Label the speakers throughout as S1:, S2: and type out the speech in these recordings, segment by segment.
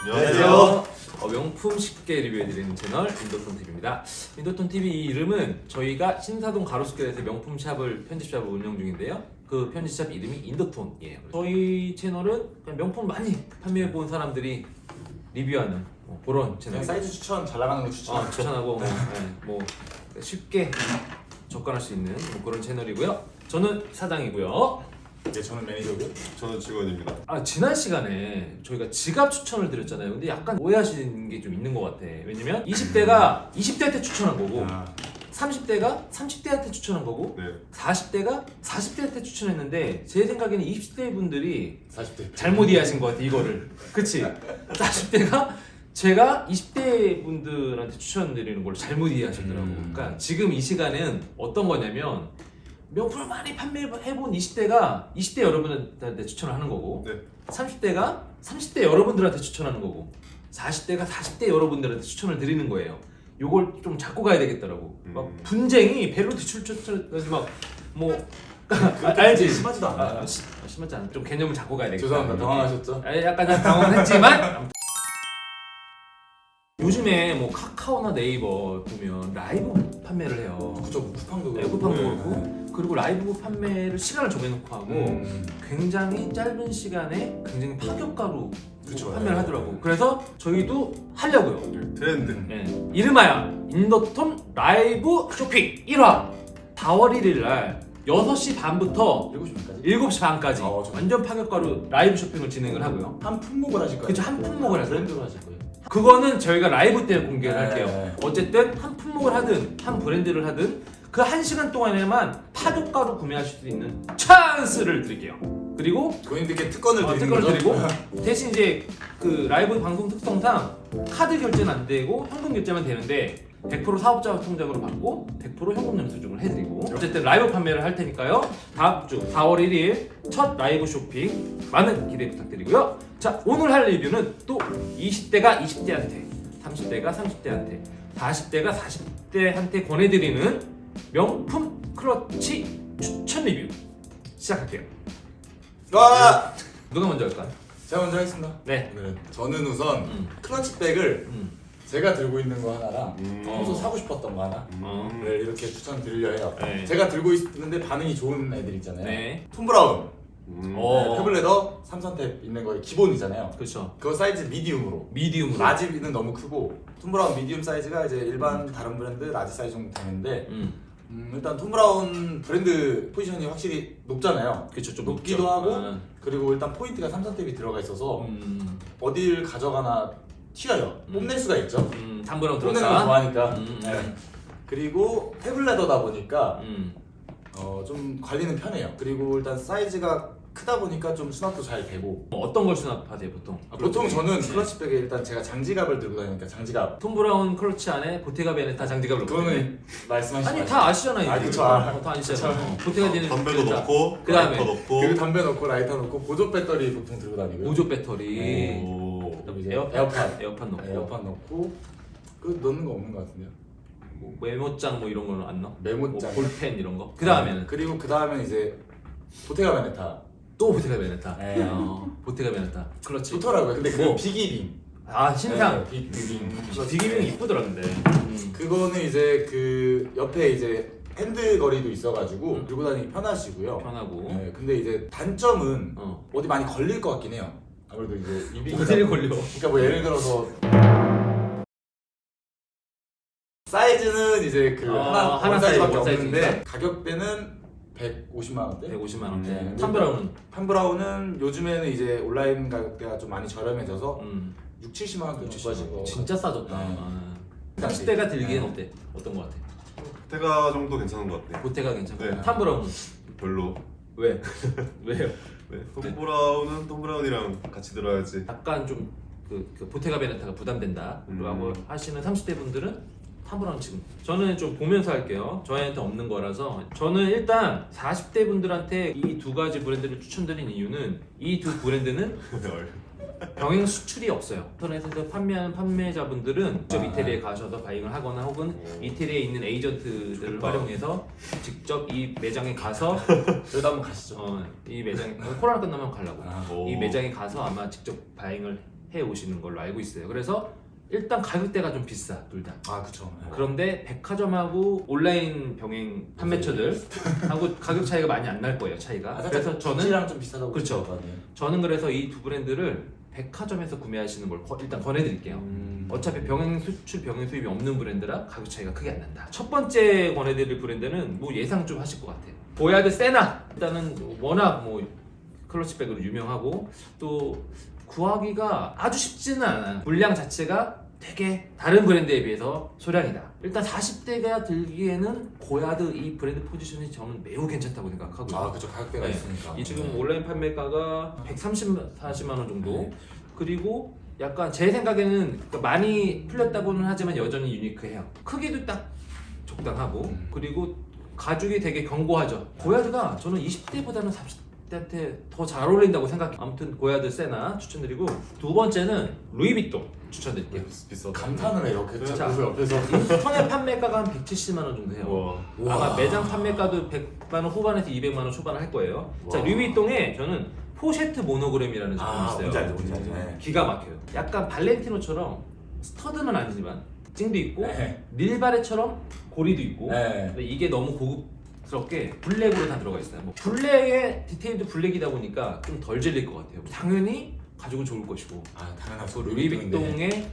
S1: 안녕하세요.
S2: 명품 쉽게 리뷰해드리는 채널 인도톤TV입니다. 인도톤TV 이 이름은 저희가 신사동 가로수길에서 명품 샵을 편집샵을 운영 중인데요. 그 편집샵 이름이 인도톤이에요. 저희 채널은 그냥 명품 많이 판매해본 사람들이 리뷰하는 그런 채널.
S1: 사이즈 추천, 잘 나가는 거 추천.
S2: 추천하고 뭐 쉽게 접근할 수 있는 그런 채널이고요. 저는 사장이고요.
S1: 네, 저는 매니저고요.
S3: 저는 직원입니다.
S2: 지난 시간에 저희가 지갑 추천을 드렸잖아요. 근데 약간 오해하시는 게 좀 있는 것 같아. 왜냐면 20대가 20대한테 추천한 거고 30대가 30대한테 추천한 거고
S3: 네.
S2: 40대가 40대한테 추천했는데 제 생각에는 20대 분들이
S1: 40대.
S2: 잘못 이해하신 것 같아 이거를. 그치? 40대가 제가 20대 분들한테 추천드리는 걸 잘못 이해하셨더라고. 그러니까 지금 이 시간은 어떤 거냐면 명품을 많이 판매해본 20대가 20대 여러분한테 추천을 하는 거고
S3: 네.
S2: 30대가 30대 여러분들한테 추천하는 거고 40대가 40대 여러분들한테 추천을 드리는 거예요. 요걸 좀 잡고 가야 되겠더라고. 막 분쟁이 벨로 뒤출출출해서 막뭐 알지?
S1: 심하지도 않아요.
S2: 심하지 않아. 좀 개념을 잡고 가야 되겠다.
S1: 죄송합니다. 당황하셨죠?
S2: 약간 당황했지만 요즘에 뭐 카카오나 네이버 보면 라이브 판매를 해요.
S1: 그쵸, 쿠팡도
S2: 네,
S1: 그렇고.
S2: 쿠팡도 그렇고 그리고 라이브 판매를 시간을 정해놓고 하고 굉장히 짧은 시간에 굉장히 파격가로
S1: 그쵸,
S2: 판매를
S1: 네.
S2: 하더라고. 그래서 저희도 하려고요.
S3: 트렌드.
S2: 네. 이름하여 인도톤 라이브 쇼핑 1화 4월 1일 날 6시 반부터
S1: 7시까지?
S2: 7시 반까지
S1: 좀-
S2: 완전 파격가로 라이브 쇼핑을 진행을 하고요.
S1: 한 품목을 하실 거예요?
S2: 그쵸, 한 품목을 하세요.
S1: 브랜드로 하실 거예요?
S2: 그거는 저희가 라이브 때 공개를
S1: 네.
S2: 할게요. 어쨌든 한 품목을 하든 한 브랜드를 하든 그 1시간 동안에만 파격가로 구매하실 수 있는 찬스를 드릴게요. 그리고
S1: 고객님들께 특권을 드리는
S2: 특권을
S1: 거죠?
S2: 드리고 대신 이제 그 라이브 방송 특성상 카드 결제는 안 되고 현금 결제만 되는데 100% 사업자 통장으로 받고 100% 현금 영수증을 해드리고 어쨌든 라이브 판매를 할 테니까요. 다음 주 4월 1일 첫 라이브 쇼핑 많은 기대 부탁드리고요. 자, 오늘 할 리뷰는 또 20대가 20대한테 30대가 30대한테 40대가 40대한테 권해드리는 명품 클러치 추천 리뷰 시작할게요.
S1: 와!
S2: 누가 먼저 할까요?
S1: 제가 먼저 하겠습니다.
S2: 네.
S1: 저는 우선 클러치백을 제가 들고 있는 거 하나랑 평소 사고 싶었던 거 하나를 이렇게 추천드리려 해요.
S2: 네.
S1: 제가 들고 있는데 반응이 좋은 애들 있잖아요.
S2: 네.
S1: 톰 브라운,
S2: 어.
S1: 페블레더 3선탭 있는 거에 기본이잖아요.
S2: 그렇죠.
S1: 그거 사이즈 미디움으로.
S2: 미디움으로.
S1: 라지는 너무 크고 톰 브라운 미디움 사이즈가 이제 일반 다른 브랜드 라지 사이즈 정도 되는데 일단 톰 브라운 브랜드 포지션이 확실히 높잖아요.
S2: 그렇죠. 좀
S1: 높기도
S2: 높죠.
S1: 하고 그리고 일단 포인트가 3선탭이 들어가 있어서 어딜 가져가나 튀어요. 뽐낼 수가 있죠.
S2: 담브라운
S1: 뽐내는 거
S2: 들었다.
S1: 좋아하니까. 네. 그리고 페블레더다 보니까 좀 관리는 편해요. 그리고 일단 사이즈가 크다 보니까 좀 수납도 잘 되고.
S2: 어떤 걸 수납하세요 보통?
S1: 보통 저는 클러치백에 일단 제가 장지갑을 들고 다니니까 장지갑.
S2: 톰 브라운 클러치 안에 보테가 베네타 장지갑을 넣고.
S1: 그거는 말씀하신
S2: 아니
S1: 거
S2: 다 아시잖아요.
S1: 아,
S2: 이제.
S1: 그쵸.
S2: 다 아시잖아요. 보테가 베네타.
S3: 담배도 넣고,
S2: 그다음에
S3: 라이터 넣고.
S1: 그리고 담배 넣고 라이터 넣고 보조 배터리 보통 들고 다니고요.
S2: 보조 배터리.
S1: 네.
S3: 오.
S1: 그리고 이제
S2: 에어팟
S1: 에어팟
S2: 넣고.
S1: 에어팟 넣고 그 넣는 거 없는 거 같은데요.
S2: 뭐 메모장 뭐 이런 거는 안 넣어?
S1: 메모장.
S2: 뭐 볼펜 이런 거. 그 다음에는
S1: 그리고 그 다음에 이제 보테가 베네타
S2: 또 보테가 베네타.
S1: 네.
S2: 보테가 베네타. 클러치.
S1: 좋더라고요. 근데 그
S2: 뭐?
S1: 비기빙.
S2: 신상.
S1: 네, 비기빙.
S2: 디기빙 이쁘더라 근데.
S1: 그거는 이제 그 옆에 이제 핸드 거리도 있어가지고 들고 다니기 편하시고요.
S2: 편하고.
S1: 네, 근데 이제 단점은
S2: 어.
S1: 어디 많이 걸릴 것 같긴 해요. 아무래도 이제 입이
S2: 어디를 걸려?
S1: 그러니까 뭐 예를 들어서 사이즈는 이제 그 하나
S2: 하나
S1: 사이즈밖에
S2: 사이즈,
S1: 없는데
S2: 사이즈니까?
S1: 가격대는 150만 원대.
S2: 150만 원대.
S1: 네.
S2: 탐브라운은
S1: 판브라운은 요즘에는 이제 온라인 가격대가 좀 많이 저렴해져서 6, 70만 원대 넘어가지고
S2: 진짜 싸졌다.
S1: 네.
S2: 30대가 들기엔
S1: 네.
S2: 어때? 어떤 거 같아?
S3: 테가 정도 괜찮은 것 같아요.
S2: 보테가 괜찮고.
S3: 네.
S2: 탐브라운은
S3: 별로.
S2: 왜? 왜요?
S3: 네. 톰 브라운은 톰 브라운이랑 같이 들어야지.
S2: 약간 좀 그 보테가 베네타가 부담된다 라고 하시는 30대 분들은 탐브라운 지금 저는 좀 보면서 할게요. 저희한테 없는 거라서 저는 일단 40대 분들한테 이 두 가지 브랜드를 추천드린 이유는 이 두 브랜드는 병행 수출이 없어요. 인터넷에서 판매하는 판매자분들은 직접 이태리에 가셔서 바잉을 하거나 혹은 이태리에 있는 에이전트들을
S3: 좋다.
S2: 활용해서 직접 이 매장에 가서
S1: 저희도 한번 가시죠.
S2: 이 매장 코로나 끝나면 가려고
S1: 아,
S3: 오.
S2: 이 매장에 가서 아마 직접 바잉을 오시는 걸로 알고 있어요. 그래서 일단 가격대가 좀 비싸 둘 다.
S1: 아 그쵸.
S2: 그런데 백화점하고 온라인 병행 판매처들하고 가격 차이가 많이 안 날 거예요. 차이가. 그래서 저는
S1: 랑 좀 비싸다고
S2: 그렇죠.
S1: 보거든요.
S2: 저는 그래서 이 두 브랜드를 백화점에서 구매하시는 걸 일단 권해드릴게요. 어차피 병행 수출 병행 수입이 없는 브랜드라 가격 차이가 크게 안 난다. 첫 번째 권해드릴 브랜드는 뭐 예상 좀 하실 것 같아요. 보야드 세나. 일단은 워낙 뭐 클러치백으로 유명하고 또 구하기가 아주 쉽지는 않아요. 물량 자체가 되게 다른 브랜드에 비해서 소량이다. 일단 40대가 들기에는 고야드 이 브랜드 포지션이 저는 매우 괜찮다고 생각하고요.
S1: 아 그쵸. 가격대가
S2: 네.
S1: 있으니까.
S2: 이 지금 온라인 판매가가 140만 원 정도.
S1: 네.
S2: 그리고 약간 제 생각에는 그러니까 많이 풀렸다고는 하지만 여전히 유니크해요. 크기도 딱 적당하고 그리고 가죽이 되게 견고하죠. 고야드가 저는 20대보다는 30대한테 더 잘 어울린다고 생각해요. 아무튼 고야드 세나 추천드리고 두 번째는 루이비통 추천드릴게요.
S3: 비싸다.
S1: 감탄을 해요. 그
S2: 자.
S1: 자꾸 옆에서.
S2: 인터넷 판매가가 한 170만 원 정도 해요.
S3: 와.
S2: 아마 매장 판매가도 100만 원 후반에서 200만 원 초반을 할 거예요. 자,
S1: 와.
S2: 루이비통에 저는 포셰트 모노그램이라는 제품이
S1: 아
S2: 있어요.
S1: 뭔지 알죠. 뭔지 알죠. 네.
S2: 기가 막혀요. 약간 발렌티노처럼 스터드는 아니지만 찡도 있고
S1: 네.
S2: 닐바레처럼 고리도 있고
S1: 네.
S2: 근데 이게 너무 고급스럽게 블랙으로 다 들어가 있어요. 뭐 블랙의 디테일도 블랙이다 보니까 좀 덜 질릴 것 같아요. 당연히 가죽은 좋을 것이고
S1: 아 당연하죠.
S2: 루이비통의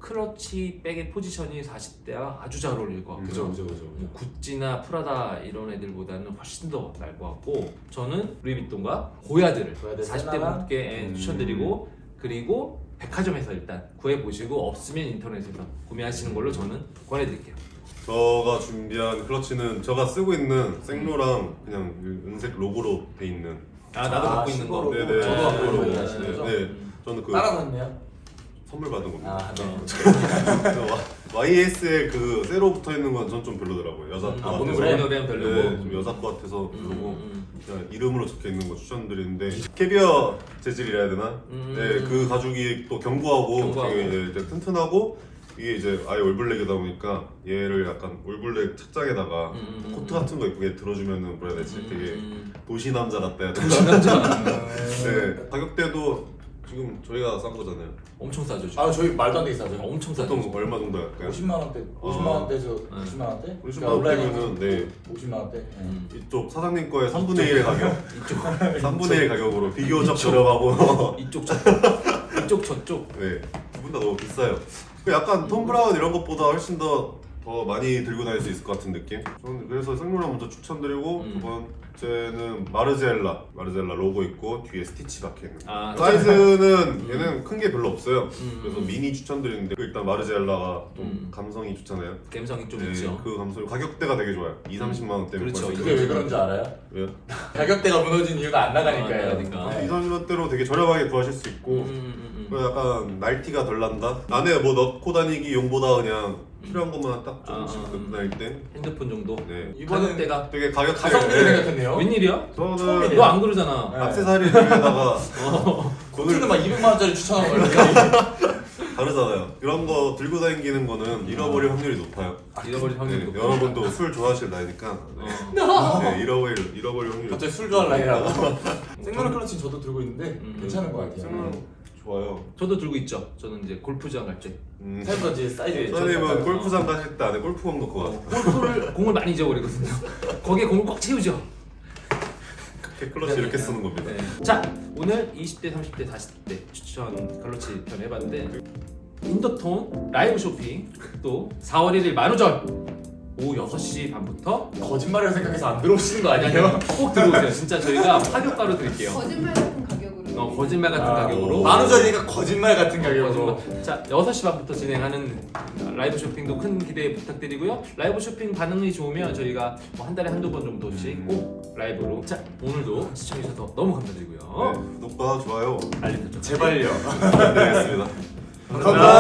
S2: 클러치 백의 포지션이 40대와 아주 잘 어울릴 것 같고요.
S1: 그죠.
S2: 뭐 구찌나 프라다 이런 애들보다는 훨씬 더 나을 것 같고 저는 루이비통과 고야드를
S1: 고야드
S2: 40대
S1: 세나랑?
S2: 분께 추천드리고 그리고 백화점에서 일단 구해보시고 없으면 인터넷에서 구매하시는 걸로 저는 권해드릴게요.
S3: 제가 준비한 클러치는 제가 쓰고 있는 생로랑 그냥 은색 로고로 돼 있는.
S2: 아 나도 갖고 있는 거.
S1: 신고로.
S3: 네네.
S1: 저도 갖고
S2: 로고.
S1: 있는 거 하시는 거죠?
S3: 네. 저는 그
S1: 따라서 했네요.
S3: 선물 받은 겁니다.
S1: 아 네.
S3: YS에 그 세로 붙어 있는 건 전 좀 별로더라고요. 여자 거 같아서.
S1: 모노그램?
S2: 모노그램 별로고.
S3: 네, 좀 여자 거 같아서 별로고.
S2: 음.
S3: 그냥 이름으로 적혀 있는 거 추천드리는데 캐비어 재질이라 해야 되나? 네, 그 가죽이 또 견고하고 되게 이제 튼튼하고 이게 이제 아예 올블랙이다 보니까 얘를 약간 올블랙 착장에다가 코트 같은 거 이쁘게 들어주면은 뭐라 해야 되지? 되게 도시 남자 같다 해야 되나? 네, 가격대도 지금 저희가 싼 거잖아요.
S2: 엄청 싸죠 지금.
S1: 아 저희 말도 안 되게 싸죠.
S2: 엄청 싸죠.
S3: 보통
S2: 지금.
S3: 얼마 정도 할까요?
S1: 50만 원대, 50만 원대에서 90만 원대?
S3: 50만
S1: 그러니까 온라인은
S3: 원대면은 네
S1: 50만 원대. 네.
S3: 이쪽 사장님 거의 3분의 1의 가격,
S2: 이쪽
S3: 3분의 1 가격으로 비교적 저렴하고
S2: 이쪽 저쪽 이쪽 저쪽.
S3: 네, 두 분 다 너무 비싸요. 약간 톰 브라운 이런 것보다 훨씬 더 많이 들고 다닐 수 있을 것 같은 느낌? 저는 그래서 생로랑 먼저 추천드리고 두 번째는 마르젤라 로고 있고 뒤에 스티치 박혀있는
S2: 아,
S3: 사이즈는 얘는 큰 게 별로 없어요. 그래서 미니 추천드리는데 일단 마르젤라가 좀 감성이 좋잖아요.
S2: 감성이 좀
S3: 네,
S2: 있죠.
S3: 그 감성이 가격대가 되게 좋아요. 2-30만 원대면
S2: 그렇죠.
S1: 그게 왜 그런지 알아요?
S3: 왜요?
S1: 가격대가 무너진 이유가 안 나가니까요.
S2: 안 나가니까.
S1: 네.
S3: 2-30만 원대로 되게 저렴하게 구하실 수 있고 그리고 약간 날티가 덜 난다? 안에 뭐 넣고 다니기 용보다 그냥 필요한 것만 딱 조금씩 넣고 다닐 때
S2: 핸드폰 정도.
S3: 네.
S1: 이번엔
S2: 가격대가
S3: 되게 가격대
S1: 가성비를 생각했네요.
S2: 웬일이야?
S3: 저는
S1: 처음이네요.
S2: 너 안 그러잖아.
S1: 네.
S3: 액세서리 중에다가
S1: 코트는 막 200만 원짜리 추천하고 그러는데
S3: 다르잖아요. 이런 거 들고 다니는 거는 잃어버릴 확률이 높아요.
S2: 잃어버릴 확률이
S3: 네,
S2: 높고.
S3: 여러분도 술 좋아하실 나이니까 네, 잃어버릴 확률이
S1: 갑자기 술 좋아할 나이라고. 생로랑 클러치는 저도 들고 있는데 괜찮은 것 같아요.
S3: 생각은 좋아요.
S2: 저도 들고 있죠. 저는 이제 골프장 갈 때.
S1: 생각보다 이제 사이즈.
S3: 선생님은 골프장 가실 때 안에 골프공 넣고 가세요.
S2: 공을 많이 잊어버리거든요. 거기에 공을 꽉 채우죠.
S3: 클러치 이렇게 쓰는 겁니다.
S2: 네. 자, 오늘 20대, 30대, 40대 추천 클러치 편 해봤는데 인더톤 라이브 쇼핑 또 4월 1일 만우절 오후 6시 반부터
S1: 거짓말을 생각해서 안 들어오시는 거 아니에요?
S2: 꼭 들어오세요. 진짜 저희가 파격가로 드릴게요.
S4: 거짓말 같은 가격으로.
S2: 거짓말 같은 가격으로.
S1: 만우절이니까 거짓말 같은 가격으로.
S2: 거짓말. 자, 6시 반부터 진행하는 라이브 쇼핑도 큰 기대 부탁드리고요. 라이브 쇼핑 반응이 좋으면 저희가 뭐 한 달에 한두 번 정도씩 꼭 라이브로. 자, 오늘도 시청해주셔서 너무 감사드리고요.
S3: 네, 구독과 좋아요
S2: 알림 설정.
S1: 제발요.
S3: 부탁드리겠습니다.
S1: 감사합니다.